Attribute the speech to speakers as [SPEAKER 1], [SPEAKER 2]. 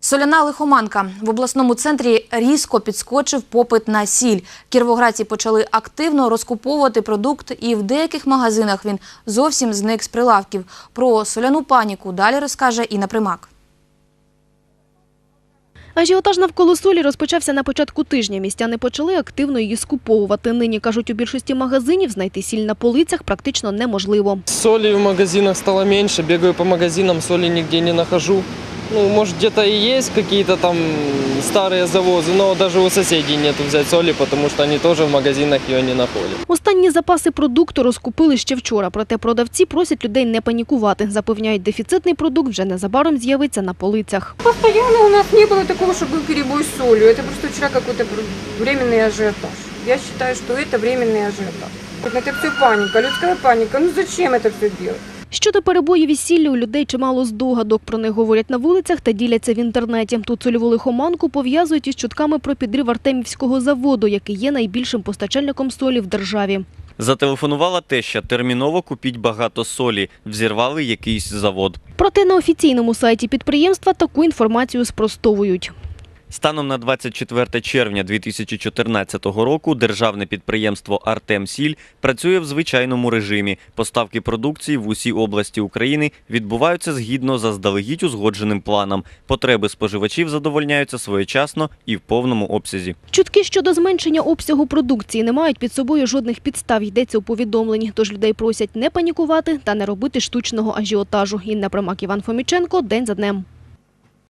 [SPEAKER 1] Соляна лихоманка. В обласному центрі різко підскочив попит на сіль. Кіровоградці почали активно розкуповувати продукт, і в деяких магазинах він зовсім зник з прилавків. Про соляну паніку далі розкаже Інна Примак.
[SPEAKER 2] Ажіотаж навколо солі розпочався на початку тижня. Містяни почали активно її скуповувати. Нині, кажуть, у більшості магазинів знайти сіль на полицях практично неможливо.
[SPEAKER 3] Соли в магазинах стало меньше, бегаю по магазинам, соли нигде не нахожу. Может, где-то и есть какие-то там старые завозы, но даже у соседей нету взять соли, потому что они тоже в магазинах ее не находят.
[SPEAKER 2] Останні запаси продукту розкупили ще вчора. Проте продавці просять людей не панікувати. Запевняють, дефіцитний продукт вже незабаром з'явиться на полицях.
[SPEAKER 4] Постоянно у нас не было такого, что был перебой с солью. Это просто вчера какой-то временный ажиотаж. Я считаю, что это временный ажиотаж. Это все паника, людская паника. Ну зачем это все делать?
[SPEAKER 2] Щодо перебоїв із сіллю, у людей чимало здогадок. Про них говорять на вулицях та діляться в інтернеті. Тут сольову лихоманку пов'язують із чутками про підрив Артемівського заводу, який є найбільшим постачальником солі в державі.
[SPEAKER 5] Зателефонувала теща: терміново купіть багато солі, взірвали якийсь завод.
[SPEAKER 2] Проте на офіційному сайті підприємства таку інформацію спростовують.
[SPEAKER 5] Станом на 24 червня 2014 року державне підприємство «Артемсіль» працює в звичайному режимі. Поставки продукції в усі області України відбуваються згідно заздалегідь узгодженим планом. Потреби споживачів задовольняються своєчасно і в повному обсязі.
[SPEAKER 2] Чутки щодо зменшення обсягу продукції не мають під собою жодних підстав, йдеться у повідомленні. Тож людей просять не панікувати та не робити штучного ажіотажу. Інна Примак, Іван Фоміченко. День за днем.